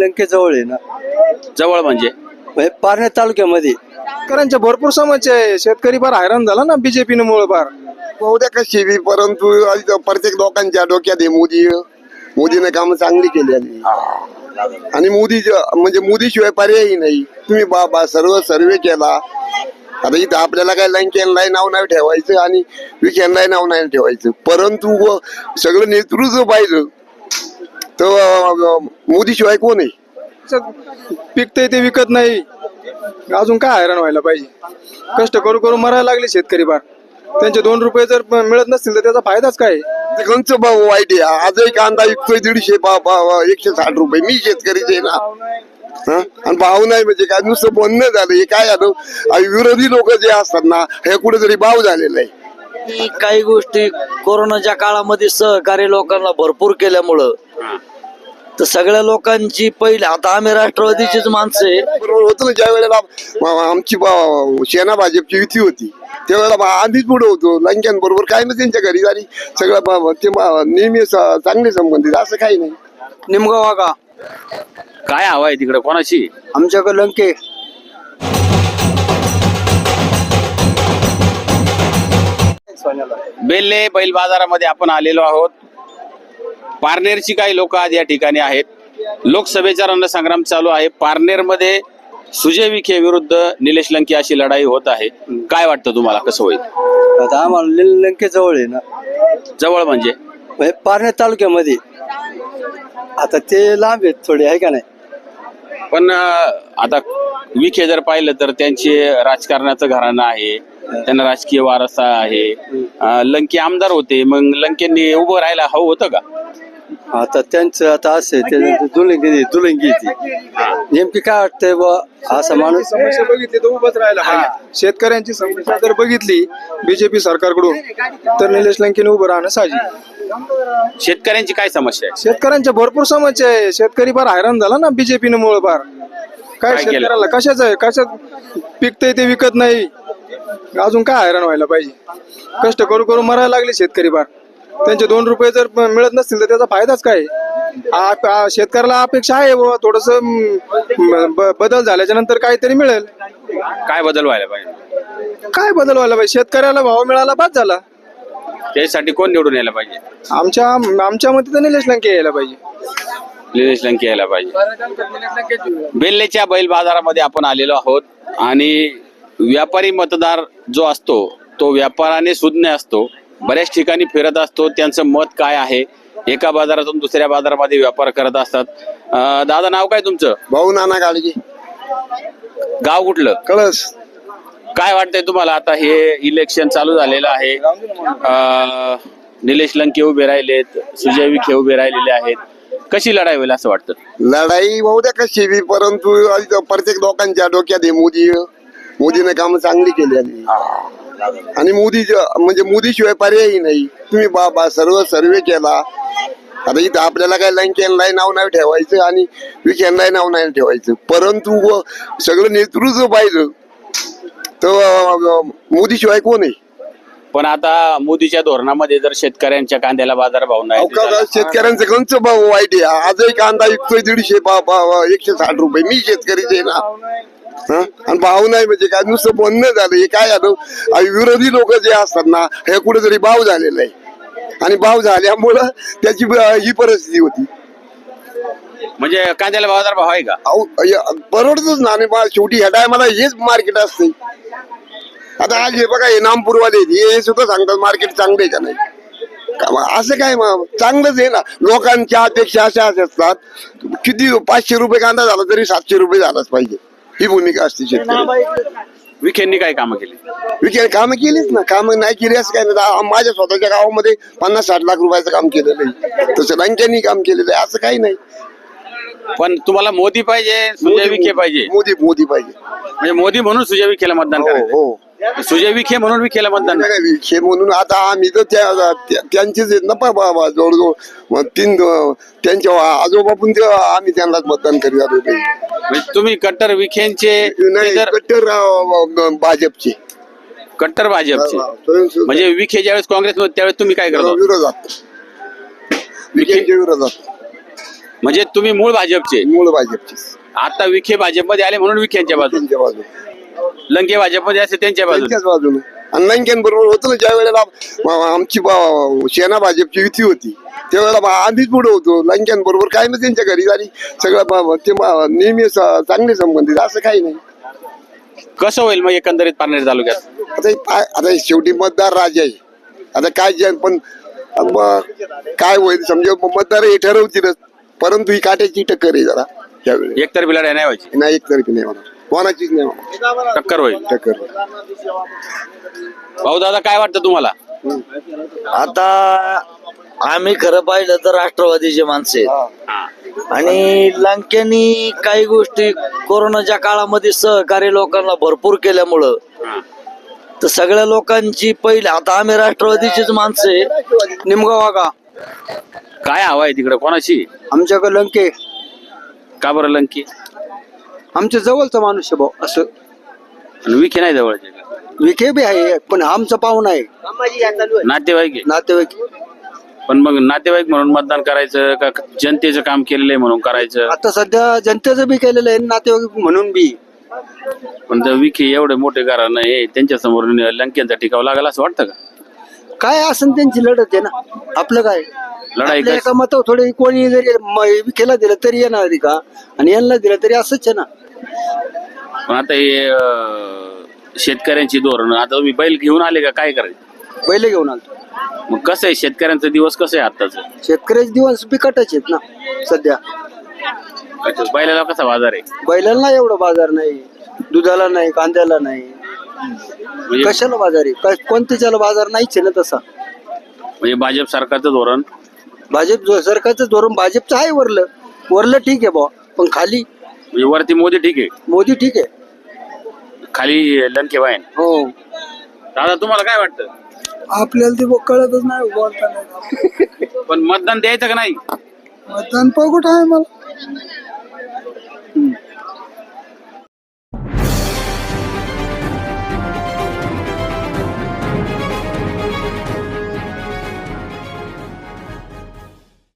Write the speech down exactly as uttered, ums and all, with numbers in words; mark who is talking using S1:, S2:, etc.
S1: लंके जवळ आहे ना,
S2: जवळ म्हणजे
S1: म्हणजे पारनेर तालुक्यामध्ये.
S3: शेतकऱ्यांच्या भरपूर समस्या आहे. शेतकरी फार हैराण झाला ना बीजेपीने मुळे फार.
S4: उद्या कशी बी, परंतु आज प्रत्येक लोकांच्या डोक्यात आहे मोदी मोदीने काम चांगली केली आणि आणि मोदी म्हणजे मोदी शिवाय पर्यायही नाही. तुम्ही बाबा सर्व सर्वे केला. आता इथं आपल्याला काय लंकेनलाही नाव नाही ठेवायचं आणि विखेनलाही नाव नाही ठेवायचं, परंतु व सगळं नेतृत्व पाहिलं तर मोदी शिवाय कोण आहे.
S3: पिकतंय ते विकत नाही, अजून काय हैराण व्हायला पाहिजे. कष्ट करू करू मरायला लागले शेतकरी फार. त्यांचे दोन रुपये जर मिळत नसतील तर त्याचा फायदाच काय.
S4: ते कोणचं भाव वाईट आहे. आजही कांदा विकतोय दीडशे भाव एकशे साठ रुपये. मी शेतकरीच आहे ना, हा आणि भाव नाही म्हणजे काय नुसतं बोलणं झालं. हे काय झालं, आणि विरोधी लोक जे असतात ना हे कुठेतरी भाव झालेला आहे.
S5: काही गोष्टी कोरोनाच्या काळामध्ये सहकारी लोकांना भरपूर केल्यामुळं तर सगळ्या लोकांची पहिले, आता आम्ही राष्ट्रवादीचीच माणसं आहे.
S4: बरोबर होतं ना, ज्या वेळेला आमची सेना भाजपची युती होती त्यावेळेला आधीच पुढे होतो लंक्यान बरोबर. काय ना त्यांच्या घरी झाली सगळं ते नेहमी चांगले संबंधित, असं काही नाही.
S3: निमगाव का
S2: काय हवा आहे तिकडे कोणाची?
S1: आमच्याकडे लंके.
S2: बेल्ले बैल बाजारामध्ये आपण आलेलो आहोत. पारनेरची काही लोक आज या ठिकाणी आहेत. लोकसभेचा रणसंग्राम चालू आहे. पारनेरमध्ये सुजय विखे विरुद्ध निलेश लंके अशी लढाई होत आहे. काय वाटतं तुम्हाला, कसं होईल?
S1: आता आम्हाला लंके जवळ आहे ना,
S2: जवळ म्हणजे
S1: म्हणजे पारनेर तालुक्यामध्ये. आता ते लांब आहेत थोडे, आहे का नाही.
S2: पण अं, आता विखे जर पाहिलं तर त्यांचे राजकारणाचं घराणं आहे, त्यांना राजकीय वारसा आहे. अं, लंके आमदार होते, मग लंकेंनी उभं राहायला हवं होतं का?
S1: आता त्यांचं आता असं आहे, ते दुलंगी दुलंगी ती नेमकी काय वाटतंय बा असा माणूस.
S3: समस्या बघितली तर उभंच राहायला पाहिजे. शेतकऱ्यांची समस्या जर बघितली बीजेपी सरकारकडून तर निलेश लंकेने उभं राहणं साहजिक.
S2: शेतकऱ्यांची काय समस्या आहे?
S3: शेतकऱ्यांच्या भरपूर समस्या आहे. शेतकरी फार हैराण झाला ना बीजेपीने मुळे फार. काय
S2: काय केलं?
S3: शेतकऱ्याला कशाच आहे, कशात पिकतंय ते विकत नाही, अजून काय हैराण व्हायला पाहिजे. कष्ट करू करू मरायला लागले शेतकरी फार. त्यांचे दोन रुपये जर मिळत नसतील तर त्याचा फायदाच काय. शेतकऱ्याला अपेक्षा आहे बाबा थोडस बदल झाल्याच्या नंतर काहीतरी मिळेल.
S2: काय बदल व्हायला पाहिजे?
S3: काय बदल व्हायला पाहिजे, शेतकऱ्याला भाव मिळाला बाद झाला.
S2: त्यासाठी कोण निवडून यायला पाहिजे?
S3: आमच्या आमच्या मते तर निलेश लंके यायला पाहिजे.
S2: निलेश लंके यायला पाहिजे. बेल्लेच्या बैल बाजारामध्ये आपण आलेलो आहोत आणि व्यापारी मतदार जो असतो तो व्यापाराने सुज्ञ असतो. बऱ्याच ठिकाणी फिरत असतो, त्यांचं मत काय आहे. एका बाजारातून दुसऱ्या बाजारामध्ये व्यापार करत असतात. अं, दादा नाव काय तुमचं?
S4: भाऊ नाना गाडगे,
S2: गाव कुठलं?
S4: कळस.
S2: काय वाटतंय तुम्हाला, आता हे इलेक्शन चालू झालेलं आहे, अं, निलेश लंके उभे राहिलेत, सुजय विखे उभे राहिलेले आहेत, कशी लढाई होईल असं वाटतं?
S4: लढाई उद्या कशी बी, परंतु आज प्रत्येक लोकांच्या डोक्यात आहे मोदी मोदीने काम चांगली केली आणि आणि मोदी म्हणजे मोदी शिवाय पर्यायही नाही. तुम्ही बाबा सर्व सर्वे केला. आता इथं आपल्याला काय लंकेनलाही नाव नाही ठेवायचं आणि विखेनलाही नाव नाही ठेवायचं, परंतु व सगळं नेतृत्व पाहिलं तर मोदी शिवाय कोण आहे.
S2: पण आता मोदीच्या धोरणामध्ये जर शेतकऱ्यांच्या कांद्याला बाजार भाव नाही,
S4: शेतकऱ्यांचं कोणचं भाव वाईट आहे. आजही कांदा विकतोय दीडशे भाव एकशे साठ रुपये. मी शेतकरीच आहे ना, हा आणि भाव नाही म्हणजे काय नुसतं बोलणं झालं. हे काय झालं, आणि विरोधी लोक जे असतात ना हे कुठेतरी भाव झालेला आहे आणि भाव झाल्यामुळं त्याची ही परिस्थिती होती.
S2: म्हणजे कांद्याला बाजार भाव आहे का?
S4: परवडतच ना. आणि शेवटी ह्या टायमाला हेच मार्केट असते. आता आज हे बघा, हे नामपूरवाले हे सुद्धा सांगतात मार्केट चांगलं आहे का नाही. असं काय मग चांगलंच आहे ना. लोकांच्या अपेक्षा अशा असतात, किती पाचशे रुपये कांदा झाला तरी सातशे रुपये झालाच पाहिजे, ही भूमिका असते शेतकरी.
S2: विखेंनी काय कामं केली?
S4: विखे कामं केलीच ना. कामं नाही केली असं काय नाही. माझ्या स्वतःच्या गावामध्ये पन्नास साठ लाख रुपयाचं काम केलेलं आहे, तसं लंकेनी काम केलेलं आहे, असं काही नाही.
S2: पण तुम्हाला मोदी पाहिजे, सुजय विखे पाहिजे?
S4: मोदी मोदी पाहिजे.
S2: म्हणजे मोदी म्हणून सुजय विखेला मतदान करायचं?
S4: हो,
S2: सुजय विखे म्हणून विखेला मतदान?
S4: विखे म्हणून आता आम्ही तर त्या त्यांचेच आहेत ना बाबा, जवळजवळ तीन त्यांच्या आजोबापून ते आम्ही त्यांनाच मतदान करीत होते.
S2: म्हणजे तुम्ही कट्टर विखेंचे?
S4: नाही, कट्टर भाजपचे.
S2: कट्टर भाजपचे म्हणजे विखे ज्यावेळेस काँग्रेस त्यावेळेस तुम्ही काय करता?
S4: विरोधात, विखेंच्या विरोधात.
S2: म्हणजे तुम्ही मूळ भाजपचे,
S4: मूळ भाजपची
S2: आता विखे भाजपमध्ये आले म्हणून विखेंच्या बाजू,
S4: त्यांच्या बाजूने
S2: लंके भाजपमध्ये असते त्यांच्या बाजू.
S4: त्यांच्याच बाजूने. आणि लंकेन बरोबर होतं ना, ज्या वेळेला आ- आमची बा- सेना भाजपची युती होती त्यावेळेला बा- आम्हीच पुढे होतो. लंकेन बरोबर काय ना त्यांच्या घरी झाली सगळं बा- ते बा- नेहमी स- चांगले संबंधित असं काही नाही.
S2: कसं होईल मग एकंदरीत पारनेर तालुक्यात?
S4: आता हे पाय- आता हे शेवटी मतदार राजा आहे. आता काय जे पण मग काय होईल समजा मग मतदार हे ठरवतीलच, परंतु ही काट्याची टक्कर आहे जरा यावेळी.
S2: एकतर्फी लढाई नाही व्हायची,
S4: नाही एकतर्फी नाही होणार, कोणाचीच नाही होणार
S2: टक्कर होईल.
S4: टक्कर.
S2: भाऊ दादा काय वाटतं तुम्हाला?
S5: आता आम्ही खरं पाहिलं तर राष्ट्रवादीचे माणसे आहेत.
S2: हा.
S5: आणि लंकेनी काही गोष्टी कोरोनाच्या काळामध्ये सहकारी लोकांना भरपूर केल्यामुळं
S2: हा.
S5: तर सगळ्या लोकांची पहिले आता आम्ही राष्ट्रवादीचीच माणसं आहे.
S3: निमगाव वागा
S2: काय हवा आहे तिकडे कोणाची?
S3: आमच्याकडे लंके
S2: का बरं लंकी?
S3: आमच्या जवळचा माणूस आहे भाऊ. असं
S2: आणि विखे नाही जवळचे का?
S3: विखे बी आहे पण आमचा पाहुणा आहे,
S2: नातेवाईक आहे.
S3: नातेवाईक.
S2: पण मग नातेवाईक म्हणून मतदान करायचं का जनतेचं काम केलेलं आहे म्हणून करायचं?
S3: आता सध्या जनतेचं बी केलेलं आहे, नातेवाईक म्हणून बी.
S2: पण जर विखे एवढे मोठे कारण आहे त्यांच्या समोर लंकेचा टिकाव लागला असं वाटतं का?
S3: काय असेल त्यांची लढत आहे ना, आपलं काय
S2: लढाई
S3: आपल्या
S2: कशी?
S3: एका मतावर थोडे कोणी जरी म- विखेला दिलं तरी येणार आहे का, आणि यांना दिलं तरी असंच आहे ना.
S2: पण आता हे अं, शेतकऱ्यांची धोरण, आता तुम्ही बैल घेऊन आले का काय करायचं?
S3: बैल घेऊन आलो.
S2: मग कसं आहे शेतकऱ्यांचा दिवस कसं आहे आताच?
S3: शेतकऱ्याचे दिवस बिकटच आहेत ना सध्या.
S2: बैलाला कसा बाजार आहे?
S3: बैलाला नाही एवढा बाजार नाही, दुधाला नाही, कांद्याला नाही,
S2: म्हणजे
S3: कशाला बाजार आहे? काय- कोणत्याच्याला बाजार नाहीच आहे ना तसा.
S2: म्हणजे भाजप सरकारचं धोरण
S3: भाजप जो- सरकारचं धोरण भाजपचं आहे. वरलं वरलं ठीक आहे बुवा, पण खाली
S2: म्हणजे वरती मोदी ठीक आहे,
S3: मोदी ठीक आहे.
S2: खाली लंके वाईन.
S3: हो,
S2: दादा तुम्हाला काय वाटतं?
S3: आपल्याला ते कळतच नाही बोलता नाही.
S2: पण मतदान द्यायचं का नाही?
S3: मतदान पगोट आहे मला.